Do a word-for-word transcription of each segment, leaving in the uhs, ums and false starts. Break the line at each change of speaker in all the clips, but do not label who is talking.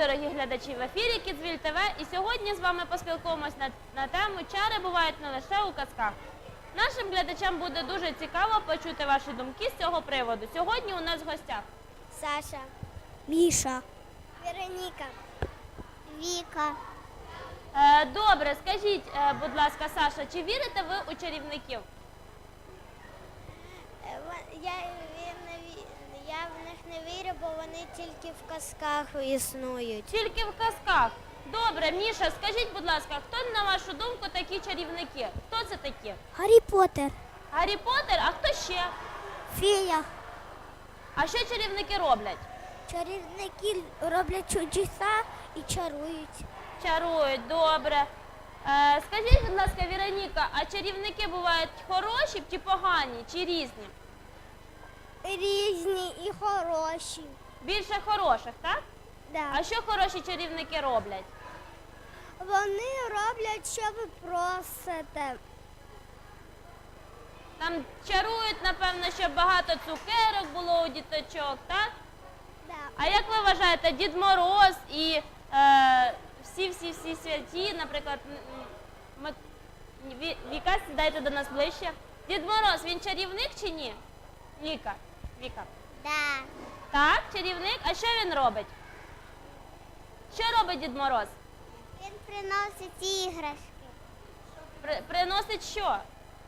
дорогі глядачі, в ефірі Kidsville ТВ, і сьогодні з вами поспілкуємось на, на тему «Чари бувають не лише у казках». Нашим глядачам буде дуже цікаво почути ваші думки з цього приводу. Сьогодні у нас в гостях
Саша,
Міша,
Вероніка, Віка.
Е, добре, скажіть, е, будь ласка, Саша, чи вірите ви у чарівників?
Е, ва- Я, ві- не ві- я в них не вірю, бо вони тільки в казках існують.
Тільки в казках. Добре, Міша, скажіть, будь ласка, хто, на вашу думку, такі чарівники? Хто це такі?
Гаррі Поттер,
Гаррі Поттер, а хто ще?
Фея.
А що чарівники роблять?
Чарівники роблять чудеса і чарують.
Чарують, добре. Е, скажіть, будь ласка, Вероніка, а чарівники бувають хороші чи погані, чи різні?
Різні і хороші.
Більше хороших, так?
Да.
А що хороші чарівники роблять?
Вони роблять, що ви просите.
Там чарують, напевно, щоб багато цукерок було у діточок, так?
Да.
А як ви вважаєте, Дід Мороз і е, всі-всі-всі святі, наприклад, м, м, Ві- Віка, сідайте до нас ближче. Дід Мороз, він чарівник чи ні? Віка, Віка.
Да.
Так, чарівник. А що він робить? Що робить Дід Мороз?
Він приносить іграшки.
При, приносить що?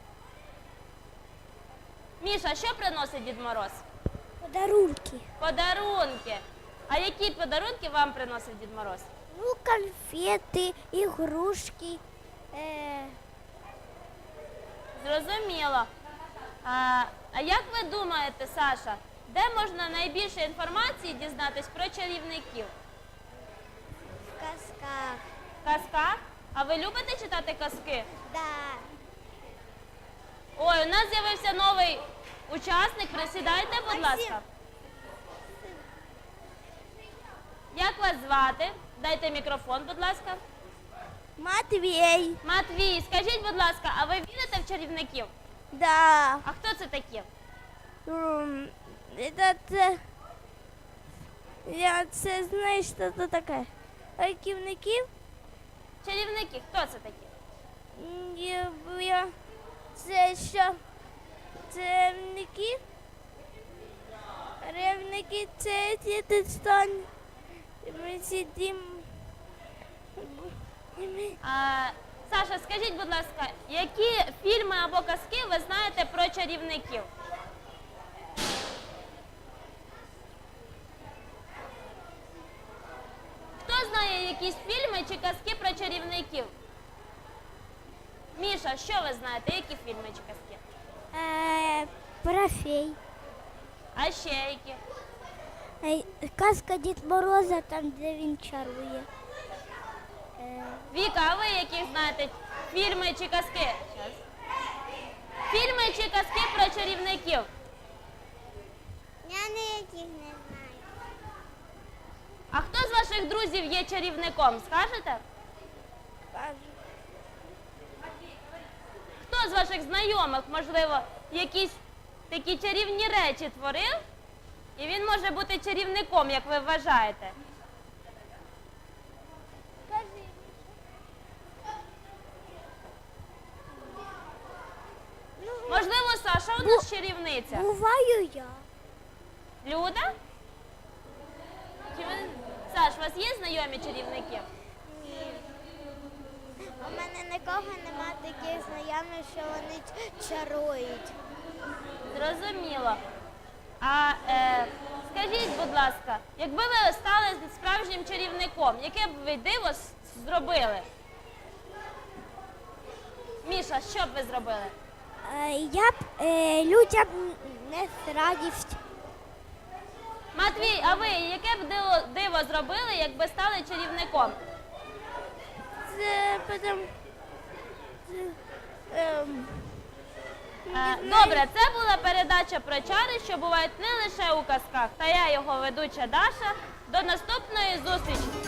Міша, що приносить Дід Мороз?
Подарунки.
Подарунки. А які подарунки вам приносить Дід Мороз?
Ну, конфети, ігрушки. Е,
Зрозуміло. А, а як ви думаєте, Саша, де можна найбільше інформації дізнатись про чарівників?
В казках.
В казках? А ви любите читати казки?
Да.
Ой, у нас з'явився новий учасник. Присідайте, будь
Максим.
ласка. Як вас звати? Дайте мікрофон, будь ласка.
Матвій.
Матвій, скажіть, будь ласка, а ви вірите в чарівників?
Да.
А хто це такі?
М, Это, це, я це знаю, що це таке. Раківників?
Чарівники, хто це такі?
Я, я, це що? Це рівники? Рівники це діти стан. Ми сидимо.
А, Саша, скажіть, будь ласка, які фільми або казки ви знаєте про чарівників? Хто знає якісь фільми чи казки про чарівників? Міша, що ви знаєте? Які фільми чи казки?
Е, про фей.
А ще які?
Е, Казка Дід Мороза, там, де він чарує. Е,
Віка, а ви які знаєте фільми чи казки? Щас. Фільми чи казки про чарівників?
Я ніяких не знаю.
А хто з ваших друзів є чарівником? Скажете?
кажу.
Хто з ваших знайомих, можливо, якісь такі чарівні речі творив? І він може бути чарівником, як ви вважаєте?
Кажи.
Можливо, Саша у нас чарівниця.
Буваю я.
Люда? Чи ви... Саш, у вас є знайомі чарівники?
Ні. У мене нікого нема таких знайомих, що вони ч- чарують.
Зрозуміло. А е, скажіть, будь ласка, якби ви стали справжнім чарівником, яке б ви диво с- зробили? А що б ви зробили?
Е, Я б е, людям не радість.
Матвій, а ви яке б диво, диво зробили, якби стали чарівником?
Це потім... Це, ем,
Е, Добре, це була передача про чари, що бувають не лише у казках. Та я його ведуча Даша. До наступної зустрічі!